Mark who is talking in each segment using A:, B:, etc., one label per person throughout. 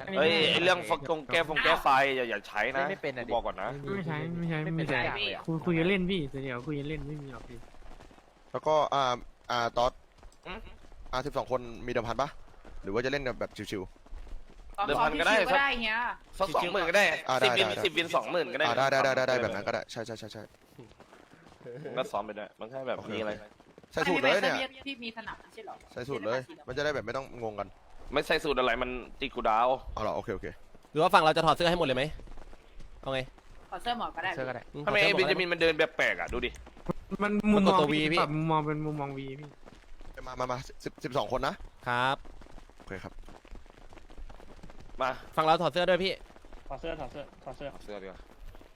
A: เฮ้ยเรื่องแก้ไฟอย่าใช้นะ
B: ไม่เป็นอะดิ
A: บอกก่อนนะ
C: ไม่ใช่คุยกันเล่นพี่เดี๋ยวคุยกันเล่นไม่มีหรอกพี่
D: แล้วก็ต๊อด12 คนมีเดิมพันปะหรือว่าจะเล่นแบบชิว
A: เดิมพันก็ได้
E: เงี้ย
A: สัก20,000ก็ได้
D: ได้
A: 10 วิน20,000ก็ได้
D: ได้แบบนั้นก็ได้ใช่
A: ก็ซ้อมไปด้วยมันแค่แบบนี้อะไร
D: ใส่สูตรเลยเนี่ย
E: พี่มีสนับใช่หรอ
D: ใส่สูตรเลยมันจะได้แบบไม่ต้องงงกัน
A: ไม่ใส่สูตรอะไรมันตีกูดาว
D: เอาเหรอโอเค
F: หรือว่าฝั่งเราจะถอดเสื้อให้หมดเลยไหมเอาไง
E: ขอเสื้อหมอก็ได้
B: เสื้อก็ได้
A: ทำไมไอ้เบนจามินมันเดินแบบแปลกอ่ะดูดิ
C: มันมุมมองพี่ปรับมุมมองเป็นมุมมองวีพี่
D: มา12 คนนะครับ โอเคครับ
A: มา
F: ฝั่งเราถอดเสื้อด้วยพี่
G: ถอดเสื้อ
A: เสื้อดีกว่า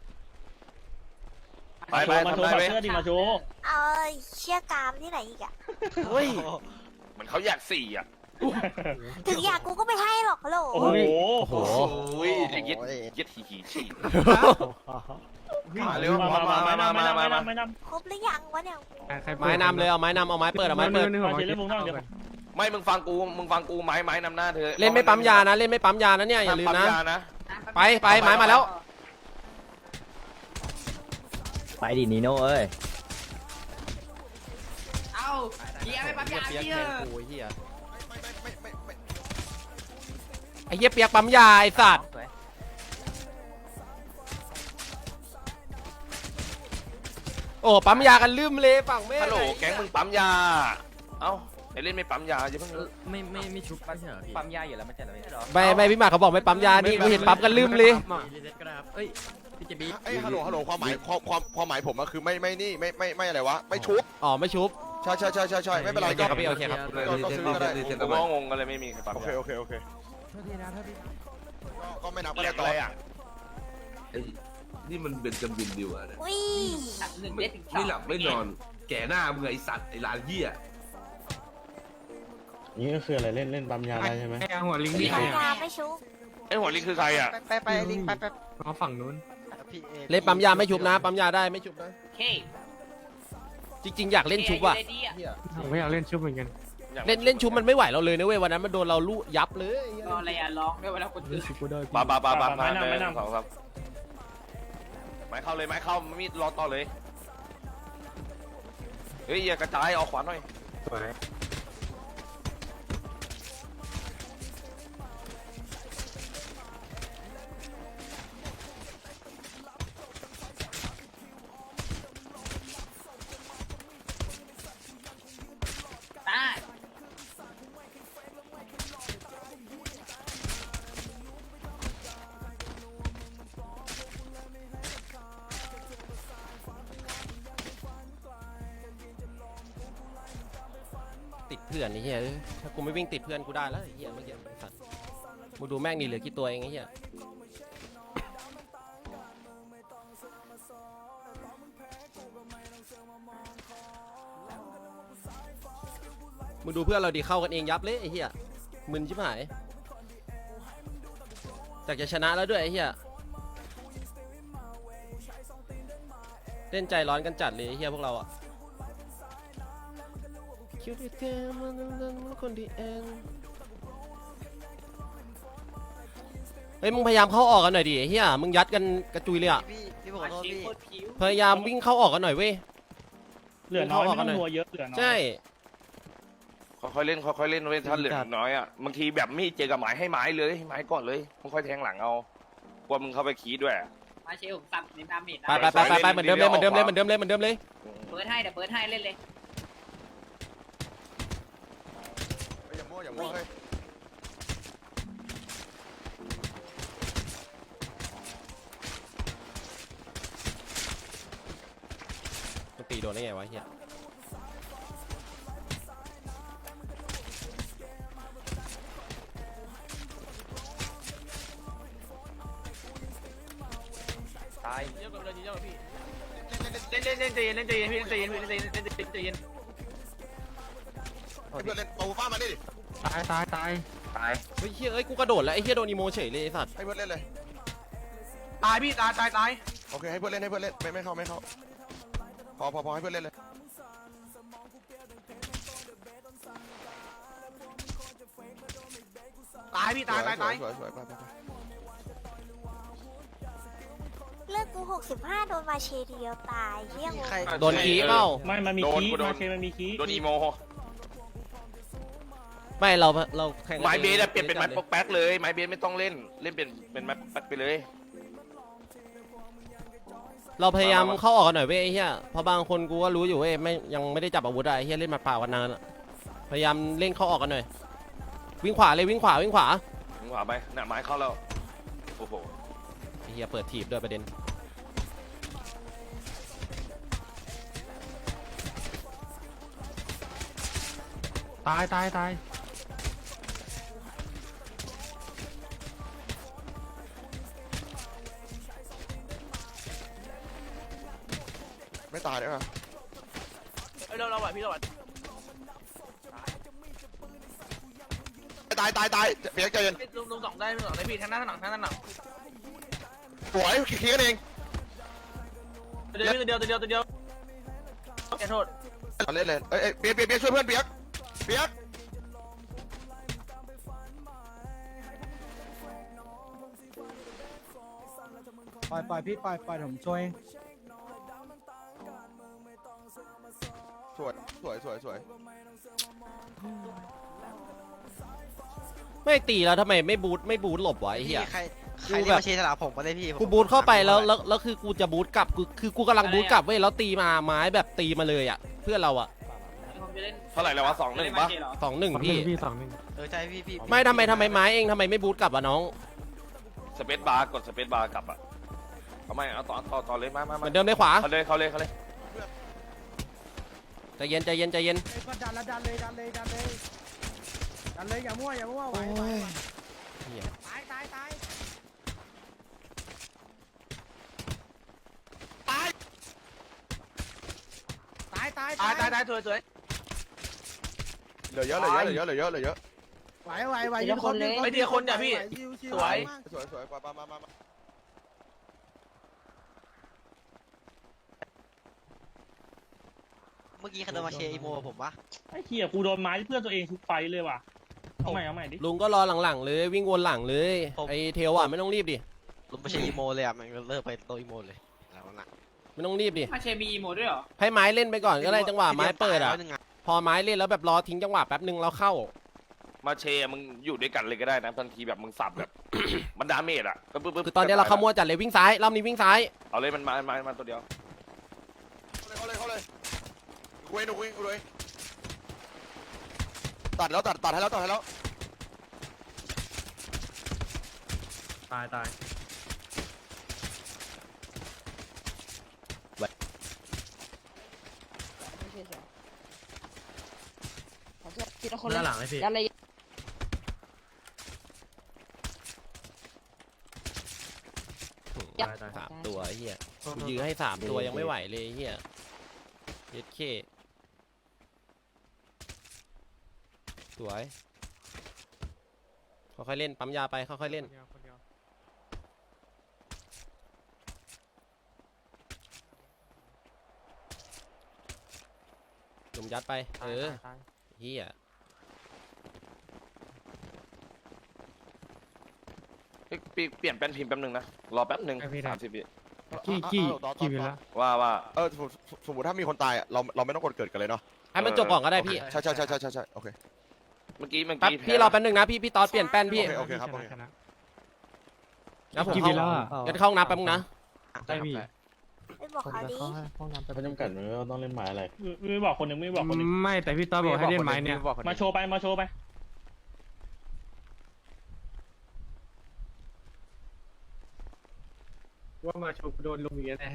A: ไป
G: มาโชว์
A: ทำได้ไหม
G: เสื้อดิมาโชว์
H: เอาเชี่ยกามที่ไหนอีกอะ
A: เฮ้ยเหมือนเขาอยาก4อ่ะ
H: ถึงอยากกูก็ไม่ให้หรอกฮัลโหล
G: โอ้โห
F: โอ้โห
A: ไอ้เย็ดหีฉี่
G: มา
A: เร็ว
G: ไม่น
H: ครบหรือยังวะเนี่ย
F: ไม้นำเลยเอาไม้นำเอาไม้เปิดเอาไม้เปิด
G: ำมาเล่นวงนอกเดี๋ยว
A: ไม่มึงฟังกูไม้นำหน้าเธอ
F: เล่นไม่ปั๊มยานะเล่นไม่ปั๊มยานะเนี่ยอย่าลืมนะ
A: ปั๊ยา
F: ไปไม้มาแล้ว
B: ไปดินีโน่เอ้ย
E: เอาเฮียไม่ปั๊มยา
F: เปียก
E: เฮีย
F: แทงกูไอ้เหี้ยไอ้เหี้ยเปียกปั๊มยาไอ้สัตว์โอ้ปั๊มยากันลืมเลยฝั่งแม่
A: ฮัลโหลแก๊งมึงปั๊มยาเอ้าไอ้เล่นไม่ปั๊มยาอย่าเพิ่ง
B: ไม่ชุบไม่ใช่เหรอพี่ปั๊มยาอยู่แล้วไม่ใช่เหรอพี่
F: ไม่พี่หมากเขาบอกไม่ปั๊มยานี่กูเห็นปั๊มกันลืมเลย
B: เอ้ยพี่เจบี
D: ไอ้ฮัลโหลความหมายผมก็คือไม่อะไรวะไม่ชุบ
F: อ๋อไม่ชุบ
D: ใช่ไม่เป็นไร
F: โอเคครับพี่โอเคครับ
D: ก็ซื้อก็ได้
A: กูก็งงกันเลยไม่มีใครปั๊ม
D: โอเค
A: ยา
D: ก็ไม่นับก็
A: เรี
D: ได้
A: ยก
D: ต่
A: อะ
D: อ
A: ไรอ่ะ
I: นี่มันเป็นจำบินดิวอะเนี่ย
H: อุ้ย
E: 1 เด็ดถึง
I: ไม่หลับไม่นอน แก่หน้ามึงไอสัตว์ไอหลานเหี้ย
G: นี่ก็คืออะไรเล่นปั๊มยาได้ใช่ไหม
C: ไอ้หัวลิง
H: มี
C: ที่ใคร
H: ยาไม่ชุบ
A: ไอ้หัวลิงคือใครอ่ะ
B: ไปลิงไป
C: เอาฝั่งนู้น
F: เล่นปั๊มยาไม่ชุบนะปั๊มยาได้ไม่ชุบนะ
E: เค
F: จริงๆอยากเล่นชุบอะ
C: ผมไม่อยากเล่นชุบเหมือนกัน
F: เล่นชุบมันไม่ไหวเราเลยนะเว้ยวันนั้นมันโดนเราลู่ยับเลย
E: รออะไรอ่ะร้องด้วยเวลาคนตื่น
C: ชุบกูได้
A: ปา2 3ไม้เข้าเลยไม้เข้ามีดรอต่อเลยเฮ้ยอย่ากระจายออกขวาหน่อย
E: ได้
F: ติดเพื่อนไอ้เหี้ยถ้ากูไม่วิ่งติดเพื่อนกูได้แล้วไอ้เหี้ยเมื่อกี้สัตว์มึงดูแม่งนี่เหลือกี่ตัวเองไอ้เหี้ยมึงดูเพื่อนเราดีเข้ากันเองยับเลยไอ้เหี้ยมึนชิบหายจากจะชนะแล้วด้วยไอ้เหี้ยเล่นใจร้อนกันจัดเลยไอ้เหี้ยพวกเราอะคิดว่าเธอมันคนดีเองเฮ้ยมึงพยายามเข้าออกกันหน่อยดิไอ้เหี้ยมึงยัดกันกระจุยเลยอะ
B: พี่บอกโทษพี่
F: พยายามวิ่งเข้าออกกันหน่อยเว้ย
G: เหลือน้อยไม่ต้องหัวเยอะเหลือน้อย
F: ใช่
A: ค่อยๆเล่นเว้ยถ้าเหลือน้อยอ่ะบางทีแบบมีดเจอกับไม้ให้ไม้เลยให้ไม้ก่อนเลยค่อยๆแทงหลังเอากลัวมึงเข้าไปคีดด้วย
E: มาเชลผมสั่งเน้นดาเมจ
F: ไปเหมือนเดิมเลยเหมือนเดิมเลยเหมือนเดิมเลยเหมือนเดิมเลย
E: เบิร์ดให้เดี๋ยวเบิร์ดให้เล่นเลย
D: อย่ามั่วเฮ้ย
F: มันตีโดนได้ไงวะเฮีย
B: ตาย
E: เล่นใจเย็นพี่เล่นใจเย็นเล่นใจเย็น
D: เพื่อนเล่นเอาฟ้ามาดิ
C: ตาย
F: เฮ้ยเฮียเอ้ยกูกระโดดแล้วไอ้เฮียโดนอีโมเฉยเลยไอ้สัตว์
D: ให้เพื่อนเล่นเลย
E: ตายพี่ตาย
D: โอเคให้เพื่อนเล่นไม่เข้าพอให้เพื่อนเล่นเลย
E: ตายพี่ตายตายตาย
D: สวยไป
H: เลือดกู65โดนมาเชเดียวตายเฮี้ยงง
F: โดนขี้เปล่า
G: ไม่มันมี
A: โดน
G: คี
A: กูโดน
G: มาเชมันมีคี
A: โดนอีโม
F: ไม่เราแข่งกัน
A: ไม้เบสอะ
F: ง
A: เปลี่ยนเป็นไม้ปกแป๊กเลยไม้เบสไม่ต้องเล่นเป็นไม้ปกแป๊กไปเลย
F: เราพยายามเข้าออกกันหน่อยเว้ยไอ้เหี้ยเพราะบางคนกูก็รู้อยู่เว้ยยังไม่ได้จับอาวุธอะไอ้เหี้ยเล่นหมัดเปล่ากันนานอะพยายามเล่นเข้าออกกันหน่อยวิ่งขวาเลยวิ่งขวา
A: มึงขวาไปหน้าไม้เข้าแล้วโอ้โห
F: ไอ้เหี้ยเปิดถีบด้วยประเด็น
C: ตาย
D: ไม่ตายได้ป่ะ
E: เราไหวพี่เราไหว
D: ตายเปียกใจเย็น
E: ลุงสองได้พี่ทั้งหน้าทั้งหลังทั้งหน้า
D: สวยเคลียร์กันเอง
E: ตัวเดียวแกโทษ
D: เล่นเลยเอ้ยเปียกช่วยเพื่อนเปียก
C: ปล่อยพี่ปล่อยผมช่วย
D: สวย
F: ไม่ตีแล้วทำไมไม่บูทหลบวะไอ้เหี้ย
B: ใครที่มาเชสลาผมมาเลยพี่
F: กูบูทเข้าไปแล้วคือกูจะบูทกลับคือกูกำลังบูทกลับเว้ยแล้วตีมาไม้แบบตีมาเลยอะเพื่อนเราอะ
A: เท่าไหร่แล้ววะ2-1ปะ
F: 2-1พี่
C: พี่
B: ใช่พี่
F: ไม่ทำไมไม้เองทำไมไม่บูทกลับวะน้อง
A: สเปซบาร์กดสเปซบาร์กลับอ่ะเอาไม่เอาต่อเลยมา
F: เหมือนเดิมเลยขวา
A: เขาเลย
F: ใจเย็น
C: ก็ดันเลยอย่ามั่วไหว
F: เหี้ย
C: ตาย
E: ตายสวย
D: เหลือเยอะไหว
E: ไอเดียคนจ้ะพี่สวย
D: มา
B: เมื่อกี้ใครโดนมาเชอีโมผมวะ
G: ไอ้เหี้ยกูโดนไม้เพื่อนตัวเองทุกไฟเลยว่ะเอาใหม่ดิ
F: ลุงก็รอหลังๆเลยวิ่งวนหลังเลยไอ้เทลอะไม่ต้องรีบดิ
B: ลุงมาเชอีโมเลยอ่ะมันเลิกไปโตอีโมเลยแล้วน่ะ
F: ไม่ต้องรีบดิ
E: มาเชมีโมด้วยเหรอ
F: ให้ไม้เล่นไปก่อนก็ได้จังหวะไม้เปิดอะพอไม้เล่นแล้วแบบรอทิ้งจังหวะแป๊บนึงแล้วเข้า
A: มาเชมึงอยู่ด้วยกันเลยก็ได้นะบางทีแบบมึงสับแบบ มันดาเมจอ่ะปึ๊บ
F: คือตอนนี้เราขโมยจัดเลยวิ่งซ้ายรอบนี้วิ่งซ้าย
A: เอาเลยมันมาตัวเดียว
D: เข้าเลยคุยตัดให้แล้ว
C: ตาย
B: หน้าหลังเลยพี่
F: 3 ตัวไอ้เหี้ยกูยื้อให้3 ตัวยังไม่ไหวเลยไอ้เหี้ยเย็ดเคสวยค่อยๆเล่นปั๊มยาไปค่อยๆเล่นจุ่มยัดไปเหี้ย
A: เปลี่ยนแป้นพิมพ์แป๊บนึงนะรอแป๊บนึง30 วิ
C: กี่วิแล้ว
A: ว่า
D: สมมติถ้ามีคนตายเราไม่ต้องกดเกิดกันเลยเนาะ
F: ให้มันจบก่อนก็ได้พี่
D: ใช่โอเค
A: เมื่อกี้
F: แป๊บพี่รอแป๊บนึงนะพี่ตอดเปลี่ยนแป้นพี่
D: โอเคครับ
F: นะผม
C: กี่วิแล้ว
F: กันเข้าห้องน้ำแป๊บนึงนะ
C: ได้พี่
H: ไปบอกเขาดิ
G: เขาจำกัดไหมว่าต้องเล่นไม้อะไรไม่บอกคนหนึ่งไม่บอกคนหนึ่ง
C: ไม่แต่พี่ต้อบอกให้เล่นไม้เนี่ย
G: มาโชว์ไป
C: ว่ามาโชว์โดนลุงอย่างเงี้ยแน่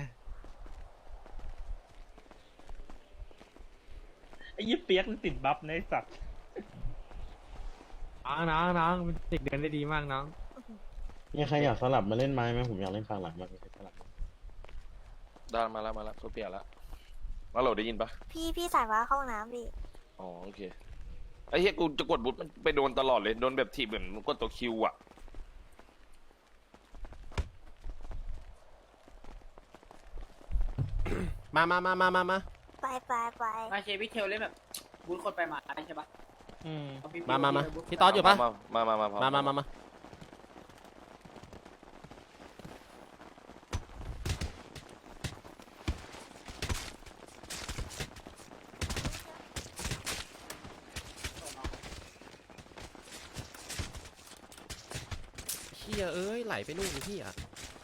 G: ไอ้ยี่เปียกมันติดบัฟในสัตว์
C: น้องเป็นเด็กเดินได้ดีมากน้อง
G: มีใครอยากสลับมาเล่นไม้ไหมผมอยากเล่นฝั่งหลังมากสลับ
A: ได้มาแล้วเขาเปลี่ยนแล้วมาโหลดได้ยินปะ
H: พี่สายว่าเข้าห้องน้ำดิ
A: อ๋อโอเคไอ้เหี้ยกูจะกดบุ๊ทมันไปโดนตลอดเลยโดนแบบทีเหมือนกดตัวคิวอ่ะ
F: มา
H: ไป
E: มาเชพี่เทลเล่นแบบบูทคนไปมาใช่ปะ
F: มาพี่ต๊อดอยู่ปะ
A: มา
F: มาเฮียเอ้ยไหลไปนู่นพี่อ่ะ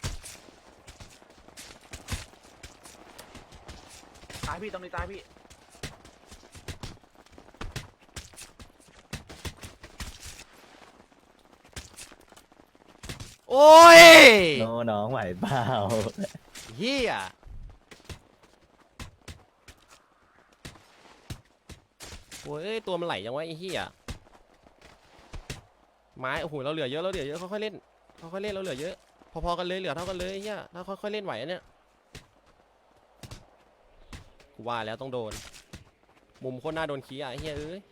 E: ตายพี่ตรงนี้ตายพี่
F: โอ้ย
G: น้องไหวเปล่า
F: เฮียโอ้ยตัวมันไหลยังวะไอ้เฮียไม้โอ้โหเราเหลือเยอะค่อยๆเล่นเราเหลือเยอะพอๆกันเลยเหลือเท่ากันเลยไอ้เฮียถ้าค่อยๆเล่นไหวอันเนี่ยกูว่าแล้วต้องโดนมุมโคตรน่าโดนขี้อ่ะไอ้เฮียเอ้ย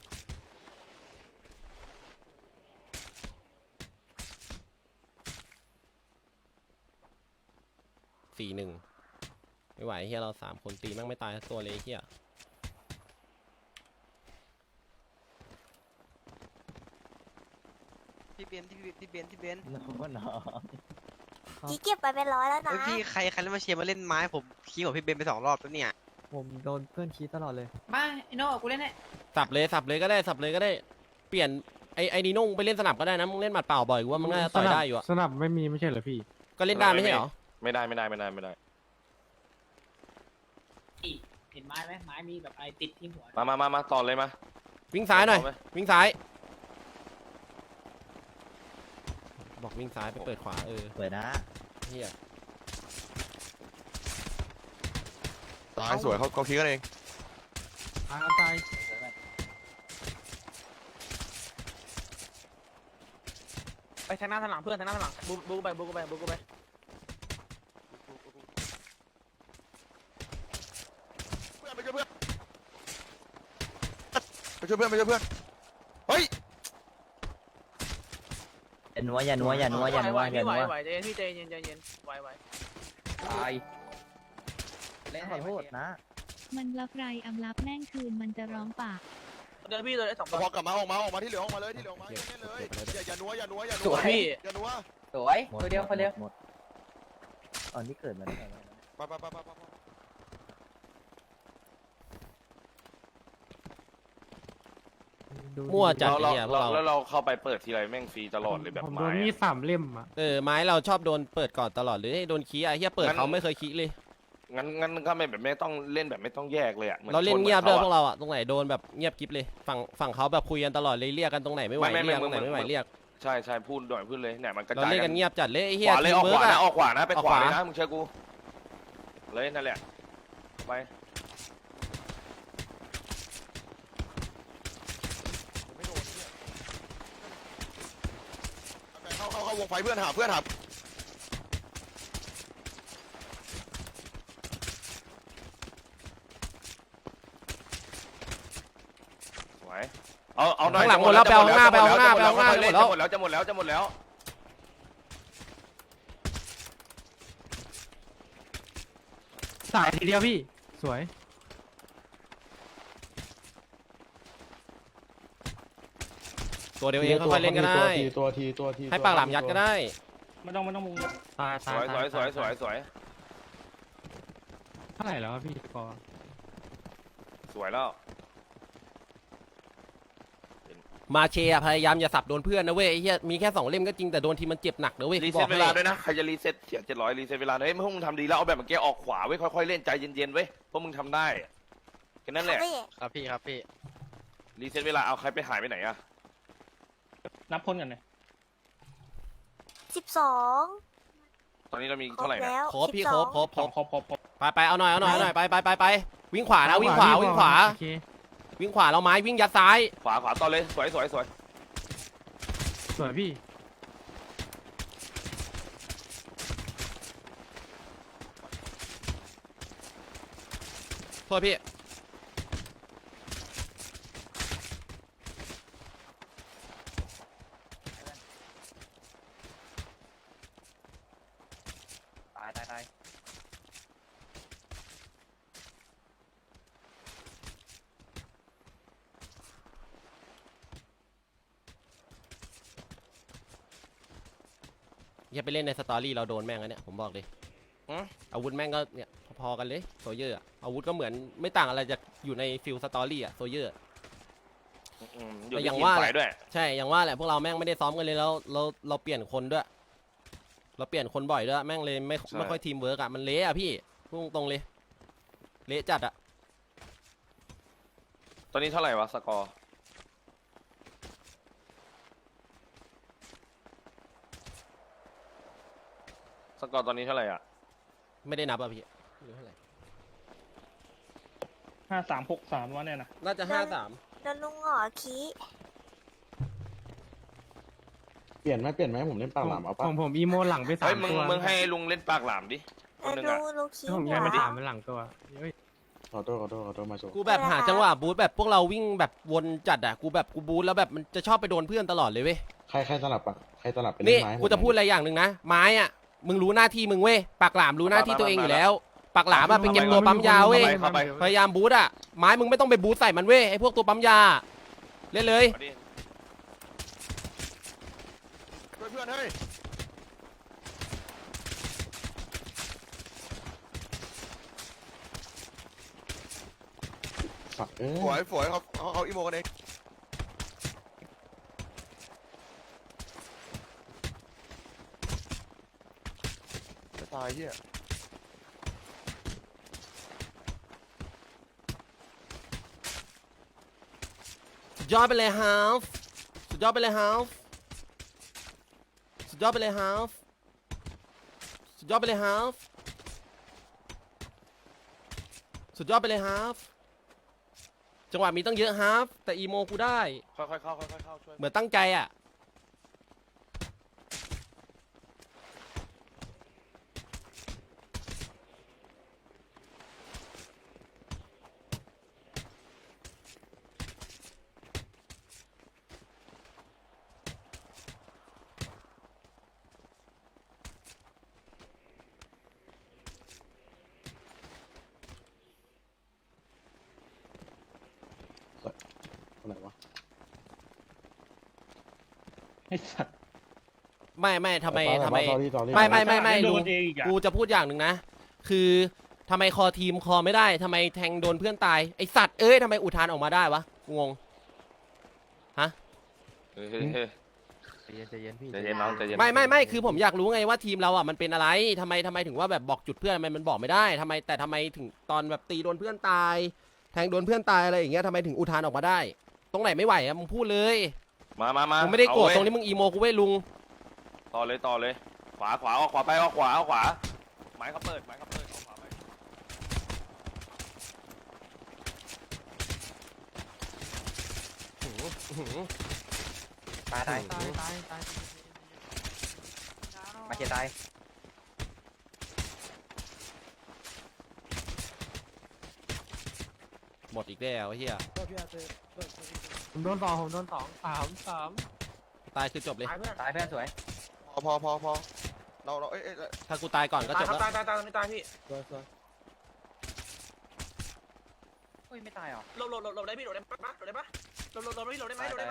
F: 4-1ไม่ไหวเฮียเรา3 คนตีแม่งไม่ตายสักตัวเลยไอ้เฮีย
B: พี่เบน
G: น้อง
H: จีเก็บไปเป็นร้อยแล้วนะ
B: พี่ใครเล่นมาเชียร์มาเล่นไม้ผมขี้ของพี่เบนไป2 รอบแล้วเนี่ย
C: ผมโดนเพื่อนชี้ตลอดเลย
E: มาไอ้โน่กูเล่นให้
F: สับเลยก็ได้เปลี่ยนไอ้นีโน่ไปเล่นสนับก็ได้นะมึงเล่นหมัดเปล่าบ่อยกูว่ามึงน่าจะต่อยได้อยู่อะ
C: สนับไม่มีไม่ใช่เหรอพี่
F: ก็เล่นได้ไม่ใช่เหรอ
A: ไม่ได้
E: เห็นไม้ไหมไม้มีแบบไอ้ติดที่หัว
A: มาต่อเลยมา
F: วิ่งซ้ายหน่อย
A: ต่อไหม
F: วิ่งซ้ายบอกวิ่งซ้ายไปเปิดขวา
G: สวยนะ
F: เฮีย
D: ตายสวยเขาคิดกันเอง
C: ตาย
E: ไปทางหน้าทางหลังเพื่อนทางหน้าทางหลังบูไป
D: ไปช่วยเพื่อนเฮ้ย
G: อย่านัว
E: ไหวใจเย็นพี่ใจเย็นไหว
G: ตายเล่นขอโทษนะ
J: มันรับไรอำรับแม่งคืนมันจะร้องปาก
E: เดินพี่เลย2
D: พอกลับมาออกมาที่เหลือออกมาเลยเล่นเลยอย่านัว
E: สวยพี่
D: อย่านัว
G: สวยตัวเดียวคนเดียวตอนที่เกิดมาได้ไง
D: ไป
F: มั่วจัด
A: เรา
F: เฮียพวกเรา
A: แล้วเราเข้าไปเปิดทีไรแม่งฟรีตลอดเลยแบบ
C: ผม
A: ไม้
C: โดนมีด3 เล่มอ่ะ
F: ไม้เราชอบโดนเปิดก่อนตลอดเลยโดนขี้อ่ะเฮียเปิดเขาไม่เคยขี้เลย
A: งั้นก็ไม่ต้องเล่นแบบไม่ต้องแยกเลยอ่ะหมือน
F: เราเล่น
A: ช
F: เงียบด้วยพวก
A: หมือน
F: เราอ่ะตรงไหนโดนแบบเงียบกิ๊บเลยฝั่งเขาแบบคุยกันตลอดเลยเรียกกันตรงไหนไม่ไหว
A: ไม่
F: เรียกตรงไหนไม่ไหวเรียก
A: ใช่พูดพูดเลยเนี่ยมันกระ
F: เรา
A: จาย
F: เล่น
A: กั
F: กัน นเงียบจัดเลยไอ้
A: ข
F: เฮียว
A: าเลยออก
F: ทีม
A: ขวา
F: เวิร์ก
A: นะ
F: อะ
A: ออกขวานะไป
F: ออก
A: ขวา
F: ขวา
A: เลยนะมึงเชื่อกูเลยนั่นแหละไป
D: เข้าวงไฟเพื่อนหา
A: สวยเอาหน่อย
F: ข้างหลังหมดแล้วไปเอาข้างหน้าไปเอาข้างหน้าจะหมดแล้ว
A: จะหมดแล้ว
C: สายทีเดียวพี่สวย
F: ตัวเดียวเองค่อยๆเล่นก็ได้
G: ตัวที
F: ให้ปากหลามยัดก็ได้
E: ไม่ต้องมุง
C: ตาย
A: สวย
C: เท่าไหร่แล้วพี่กอ
A: สวยแล้ว
F: มาเชียพยายามอย่าสับโดนเพื่อนนะเว้ยไอ้เหี้ยมีแค่2 เล่มก็จริงแต่โดนทีมันเจ็บหนักนะเว้ย
A: รี
F: บ
A: เซ็
F: อ
A: ต
F: ก
A: เว
F: ให้
A: ลาด้วยนะใครจะรีเซ็ตเสีย700รีเซ็ตเวลาเฮ้ยพวกมึงทำดีแล้วเอาแบบเมื่อกี้ออกขวาไว้ค่อยๆเล่นใจเย็นๆเว้ยพวกมึงทำได้แค่นั้นแหละ
H: พี่
B: ครับพี่
A: รีเซ็ตเวลาเอาใครไปหายไปไหนอะ
E: นับคนกันเลย
H: 12
A: ตอนนี้เรามี
H: คร
A: เท่า
H: บ
A: ไหร่นะ
H: แล้ว
F: ครบพี่
H: 12
F: ครบไปเอาหน่อยไปวิ่งขวานะวิ่งขวา
C: โอเค
F: วิ่งขวาเราไม้วิ่งยัดซ้าย
A: ขวาต่อเลยสวย
C: สวยพี่
F: โทษพี่
G: ตาย
F: อย่าไปเล่นในสตอรี่เราโดนแม่งแล้วเนี่ยผมบอกเลยอาวุธแม่งก็เนี่ยพอๆกันเลยโซเยอร์อาวุธก็เหมือนไม่ต่างอะไรจากอยู่ในฟิลสตอรี่อะโซเยอร์
A: อยู่
F: แต่
A: ที่
F: อย่าง
A: ทีม
F: ว่า
A: ฝ่ายด้วย
F: ใช่อย่างว่าแหละพวกเราแม่งไม่ได้ซ้อมกันเลยแล้วเราเปลี่ยนคนด้วย เราเปลี่ยนคนบ่อยด้วยแม่งเลยไม่ค่อยทีมเวิร์กอะมันเละอะพี่พูดตรงๆเลยเละจัดอะ
A: ตอนนี้เท่าไหร่วะสกอร์สกอร์ตอนนี้เท่าไหร่อ่ะ
F: ไม่ได้นับอะพี่ไม่รู้เท่าไหร่
C: 5363วะเนี่ยนะ
F: น่าจะ53
H: โดนลุงหงอขี้
G: เปลี่ยนไหมผมเล่นปากหลามเอาปะ
C: ผมอีโมหลังไปสา
A: เฮ้ย
C: ม
A: มึง
C: ตัว
A: มึงให้ลุงเล่นปากหลามดิคนหนึงอ่ะ
H: ลุงขี้
C: ผม
H: หั
C: ยัง
H: ว
C: ไม่ถามมันหลังตัวเฮ้ย
G: ขอโทษมาโชว์
F: กูแบบหาจังหวะบูทแบบพวกเราวิ่งแบบวนจัดอะกูแบบกูบูทแล้วแบบมันจะชอบไปโดนเพื่อนตลอดเลยเว้ย
G: ใครสลับไปเล่
F: นี่
G: นไม้
F: กูจะพูดอะไรอย่างหนึ่งนะไม้อะมึงรู้หน้าที่มึงเว้ยปากหลามรู้หน้าที่ตัวเองอยู่แล้วปากหลามอะไปเก็บตัวปั๊มยาเว้ย
A: เข้าไป
F: พยายามบูทอะไม้มึงไม่ต้องไปบูทใส่มันเว้ยไอพวกตัวปั๊มยาเล่นเลย
A: เอาดิ
D: ช่วยเพื่อนเฮ้ย
G: สัตว์
D: ฝวยเขาอีโมกันเองจะตายเหี้ย
F: สุดยอดไปเลยฮาฟสุดยอดไปเลยฮาฟสุดยอดไปเลยฮาฟสุดยอดไปเลยฮาฟสุดยอดไปเลยฮาฟจังหวะมีตั้งเยอะฮาฟแต่อีโมกูได้
A: ค่อยๆเข้าค่อยๆเข้าช่วย
F: เหมือนตั้งใจอ่ะ
G: อะไรวะ
C: ไอ้สัตว์
F: ไม่ทำไม
G: ต่อรี่
F: ไม่
C: โด
F: ลุง
C: นเองอีกอ่ะ
F: กูจะพูดอย่างหนึ่งนะ คือทำไมคอทีมคอไม่ได้ทำไมแทงโดนเพื่อนตายไอสัตว์เอ้ยทำไมอุทานออกมาได้วะกูงง
A: เฮ้ยใจเย็นน้องใจเย็น
F: ไม่คือผมอยากรู้ไงว่าทีมเราอ่ะมันเป็นอะไรทำไมถึงว่าแบบบอกจุดเพื่อนทำไมมันบอกไม่ได้ทำไมถึงตอนแบบตีโดนเพื่อนตาย แทงโดนเพื่อนตายอะไรอย่างเงี้ยทำไมถึงอุทานออกมาได้ ตรงไหนไม่ไหวอะมึงพูดเลย
A: มา
F: มึงไม่ได้โกรธ
A: เอาเว้ย
F: ตรงนี้มึงอีโมกูเว้ยลุง
A: ต่อเลยขวาเอาขวาไปเอาขวาไม้เขาเปิดเอาขวาไป
B: ตายมาเกียตาย
F: หมดอีกแล้วไอ้เฮีย
C: ผมโดนสองสาม
F: ตายคือจบเลย
E: ตายเพื่อน
B: ตายเพื่อนสวย
D: พอเราเอ้ย
F: ถ้ากูตายก่อนก็
E: ตาย
F: จบ
E: ครับ
F: แล้ว
E: ตายไม่ตายพี่
B: เฮ้ยไม่ตายหรอ
E: หลบได้พี่หลบได้ปะหลบได้ไหม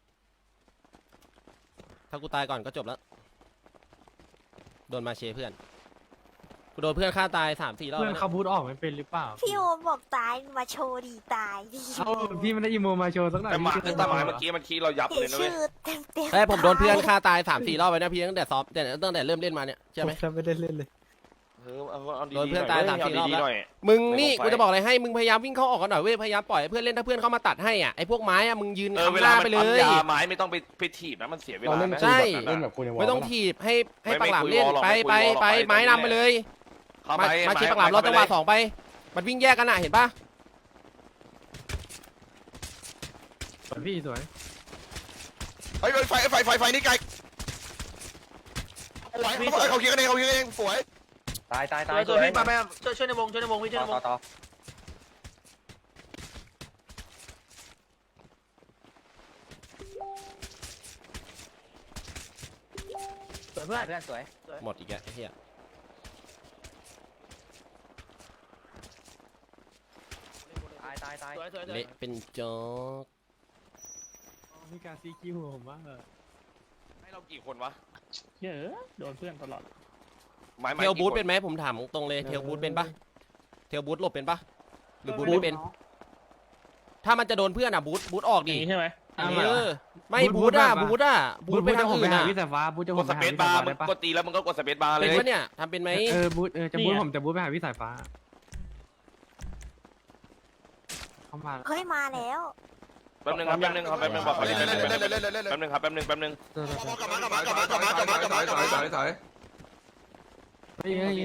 F: ถ้ากูตายก่อนก็จบแล้วโดนมาเชเพื่อนกูโดนเพื่อนฆ่าตาย3-4รอบ
C: เพื่อน
F: แล้ว
C: เขาบูทออกไม่เป็นหรือเปล่า
H: พี่โอบอกตายมาโชว์ดีตายดิ
C: เอ้าพี่ไม่ได้อีโมมาโชว์สักหน่อย
A: แต่หมาเมื่อกี้มันขี้เรายับ
H: เห็
A: เลย
H: น
A: นะเว้ย
H: ชื่อเต็ม
F: เฮ้ยผมโดนเพื่อนฆ่าตาย3-4รอบไปนะพี่ตั้งแต่ซ้อมตั้งแต่เริ่มเล่นมาเนี่ยใช่ไหม
C: ผมไม่ได้เล่นเลย
A: เอาดี
F: โดน
A: ๆ
F: เพื่อน
A: หน่
F: ตาย
A: เว้
F: 3-4
A: เอาดีๆ
F: รอบแล้ว
A: หน่อย
F: มึงนี่
A: ไม่
F: กู
A: ต้องไฟ
F: จะบอกอะไรให้มึงพยายามวิ่งเข้าออกกันหน่อยเว้ยพยายามปล่อยให้เพื่อนเล่นถ้าเพื่อนเข้ามาตัดให้อ่ะไอ้พวกไม้อ่ะมึงยืน
A: เว
F: คำห
A: ลา
F: น้า
A: มัน
F: ไปเล
A: ปั๊ม
F: ย
A: ยาไม้ไม่ต้องไปถีบนะมันเสียเว
G: เรา
A: ลา
G: เล่น
A: นะ
F: ใช่
G: เล่นแบบคุยในวอล
F: ไม่ต้องถีบให้
A: ไม่
F: ปากหลามเล่น
A: คุยวอลหรอก
F: ไป
A: ไม่คุยวอลหรอก
F: ไม้
A: ไป
F: นำไปเลย
A: เข้า
F: มาเชียร์ปากหลามรอจังหวะ2ไปมันวิ่งแยกกันอ่ะเห็นปะ
C: สวยพี่สวย
D: เฮ้ยไฟนี่ไกลเขาคิดกันเองฝวย
B: ตาย
E: ตัวพี่ไปช่วยในวงพี่ช่วยในวง
B: ต่อ
E: สวยเพื่อน
B: เพื่อนสวย
F: หมดอีกแล้วไอ้เหี้ย
B: ตาย
E: สวย
F: เละเป็นโจ๊ก
C: มีการซีคิวผมว่า
A: ให้เรากี่คนวะ
C: เยอะโดนเพื่อนตลอด
F: เทลบูทเป็นไหมผมถามตรงเลยเทลบูทเป็นปะเทลบูทหลบเป็นปะหรือบูทไม่เป็น ถ้ามันจะโดนเพื่อนอ่ะบูทออก
C: อ
F: ดิ
C: ย่างนี้ใช่ไหม
F: ไม่บูทไปทางอื่นอ่ะ
C: พี่สายฟ้าบูทจะ
A: กดสเปซบาร์มึงกดตีแล้วมึงก็กดสเปซบาร์เล
F: เป็น
A: ย
F: ปะเนี่ยทำเป็นไหม
C: จะบูทผมจะบูทไปหาพี่สายฟ้าเข้ามา
H: เฮ้ยมาแล้ว
A: แป๊บนึงครับแป๊บนึงครับแป๊บนึงบอกเขาเล่นแป๊บนึงครับแป๊บนึง
D: กลับมากลับมากลับมากลับมากลับมากลับมากลับมา
I: ถอย
C: เฮ้ย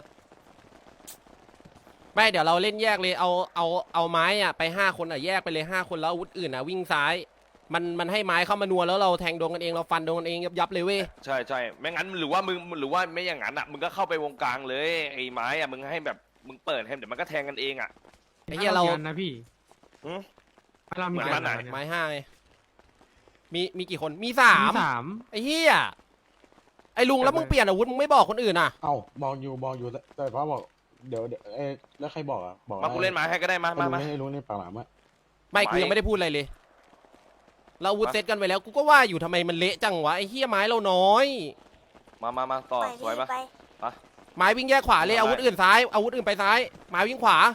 F: ไม่เดี๋ยวเราเล่นแยกเลยเอาไม้อ่ะไป5 คนอ่ะแยกไปเลย5 คนแล้วอาวุธอื่นอ่ะวิ่งซ้ายมันให้ไม้เข้ามานัวแล้วเราแทงโดนกันเองเราฟันโดนกันเองยับเลยเว้ย
A: ใช่ใช่ไม่งั้นหรือว่าไม่อย่างนั้นอ่ะมึงก็เข้าไปวงกลางเลยไอ้ไม้อ่ะมึงให้แบบมึงเปิดให้เดี๋ยวมันก็แทงกันเองอ่ะ
F: ไอ้เหี้ยเรา
C: นะพี่
A: เหมือนมันไหน
F: ไม้5ไงมีกี่คนมี
C: สา
F: 3
C: ม
F: ไอ้เหี้ยไอ้ลุงแล้วมึงเปลี่ยนอาวุธมึงไม่บอกคนอื่นอ่ะ
G: เอ้าบอกอยู่แต่พ่อบอกเดี๋ยวแล้วใครบอกอ่ะบอก
A: มากูเล่นไม้ให้ก็ได้มา
G: ให้รู้ในปากหลามอ่ะ
F: ไม่กูยังไม่ได้พูดอะไรเลย เราอาวุธเซตกันไปแล้วกูก็ว่าอยู่ทำไมมันเละจังวะไอ้เหี้ยไม้เราน้อย
A: มาต่อ
H: ไป
A: สวยปะ
H: ไป
F: ไม้วิ่งแยกขวาเลยอาวุธอื่นซ้ายอาวุธอื่นไปซ้ายไม้วิ่งขวา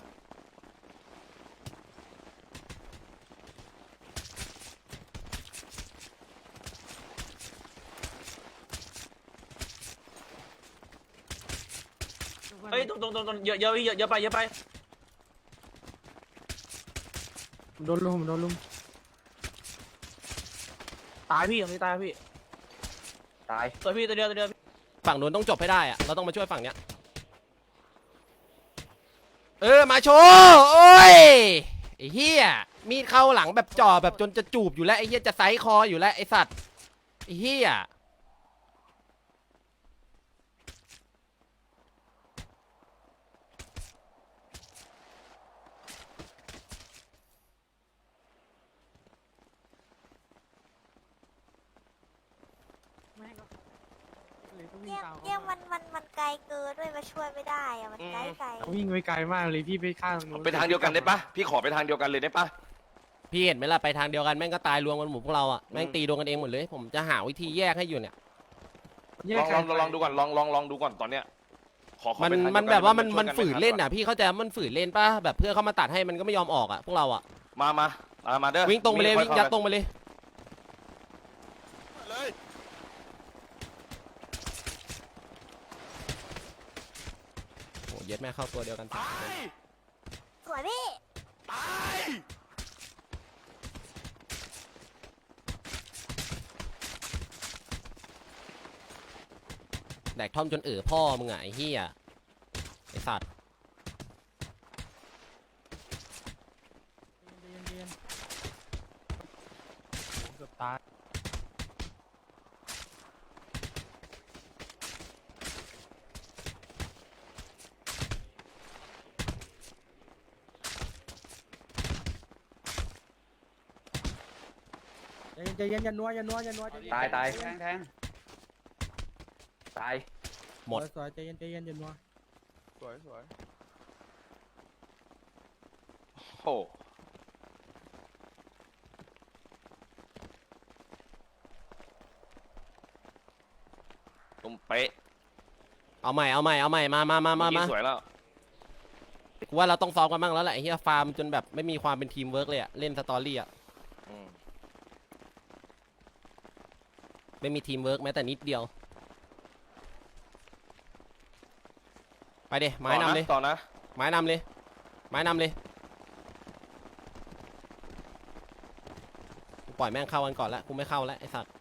E: เฮ้ยตรงเยอะพี่เยอะไป
C: โดนลุม
E: ตายพี่ตรงนี้ตายพี่ตายตัวพี่ตัวเดียว
F: ฝั่งนู้นต้องจบให้ได้อะเราต้องมาช่วยฝั่งเนี้ยมาโชว์โอ้ยไอ้เหี้ยมีดเข้าหลังแบบจ่อแบบจนจะจูบอยู่แล้วไอ้เหี้ยจะไซส์คออยู่แล้วไอ้สัตว์ไอ้เหี้ย
H: เนี่ยมันไกลเกินด้วยมาช่วยไม่ได้อะมันไกล
C: วิ่งไปไกลมากเลยพี่ไปข้างนู้น
A: ไปทางเดียวกันได้ปะพี่ขอไปทางเดียวกันเลยได้ปะ
F: พี่เห็นไหมล่ะไปทางเดียวกันแม่งก็ตายรวมกันหมดพวกเราอะแม่งตีโดนกันเองหมดเลยผมจะหาวิธีแยกให้อยู่เนี่ย
A: ลองดูก่อนลองดูก่อนตอนเนี้ยขอไปทางเดียวกัน
F: มันแบบว่ามัน
A: ช่ยกั
F: ฝืนเล่นอ่ะพี่เข้าใจมันฝืนเล่นป่ะแบบเพื่อนเข้ามาตัดให้มันก็ไม่ยอมออกอ่ะพวกเราอ่ะ
A: มาเด้อ
F: วิ่งตรงไปเลยวิ่งยัดตรงไปเลย
D: เลย
F: โอ้เย็ดแม่เข้าตัวเดียวกัน
A: ตาย
H: ๆสวยพี่
A: ตาย
F: แดกท่อมจนพ่อมึงอ่ะไอ้เหี้ยไอ้สัตว์
C: เกือบตาย
B: ใจเย็นอย่านัวตายแทงตาย
F: หมด
B: สวยใจเย็นอย่านัว
D: สวย
A: โอ้ตรงเป๊ะ
F: เอาใหม่มา
A: สวยแล้ว
F: กูว่าเราต้องซ้อมกันบ้างแล้วแหละไอ้เหี้ยฟาร์มจนแบบไม่มีความเป็นทีมเวิร์กเลยอ่ะเล่นสตอรี่อ่ะไม่มีทีมเวิร์กแม้แต่นิดเดียวไปเดไม้นำเลย
A: ต่อนะ
F: ไม้นำเลยกูปล่อยแม่งเข้ากันก่อนละกูไม่เข้าแล้วไอ้สัตว์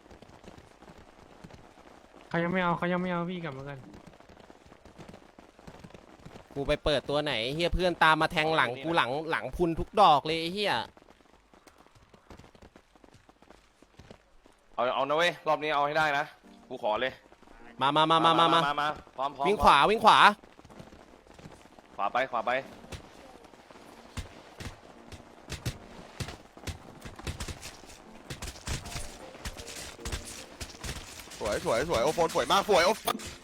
C: เขายังไม่เอาพี่กลับมากัน
F: กูไปเปิดตัวไหนเฮียเพื่อนตามมาแทงหลังกูหลังพุนทุกดอกเลยไอ้เฮีย
A: เอานะเว้ยรอบนี้เอาให้ได้นะกูขอเลย
F: มา
A: พร้อม
F: วิ่งขวา
A: ขวาไป
D: สวยโอโฟนสวยมากสวยโอ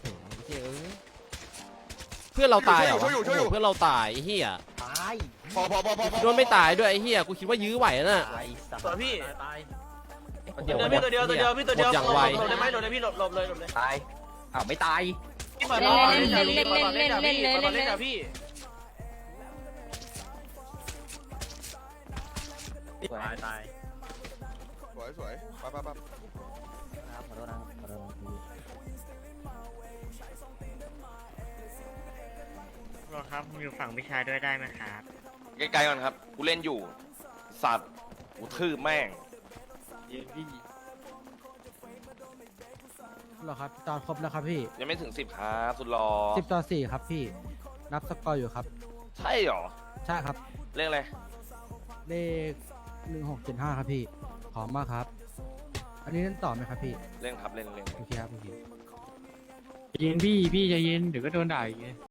F: เพื่อนเราตายเหรอ
D: ช่วยอยู่
F: เพื่อนเราตายไอ้เฮีย
D: พอ
F: โดนไม่ตายด้วยไอ้เฮียกูคิดว่ายื้อไหวนะ
E: ตัวพี่เดี๋ยวพี่ตัวเดียวตัวเดียวพี่ตัวเดียว
F: หมดอย่างไว
E: หลบได้ไหมหลบได้พี่หลบเลยหลบเลย
B: ตายอ้าวไม่ตาย
E: พี่เปิดบอลเล่นเล่นเล่นเล่นเล่นเล่นเล่นเล่นพี่
B: ตาย
D: สวยสวยไปไปไป
B: ขอโทษนะขอโทษนะ
C: รอครับผมอยู่ฝั่งพี่ชายด้วยได้ไหมครับ
A: ไกลๆก่อนครับกูเล่นอยู่สัตว์กูทืบแม่ง
B: หรอครับตอนครบแล้วครับพี่
A: ยังไม่ถึง10ครับสุดรอ
B: 10-4ครับพี่นับสกอร์อยู่ครับ
A: ใช่หรอ
B: ใช่ครับ
A: เรื่องอะไร
B: เลข1675ครับพี่ขอบมากครับ อันนี้เล่นต่อไหมครับพี่
A: เล่นครับเล่น
B: โอเคครับโอเค
C: ใจเย็นพี่ใจเย็นเดี๋ยวก็โดนด่าอีกไง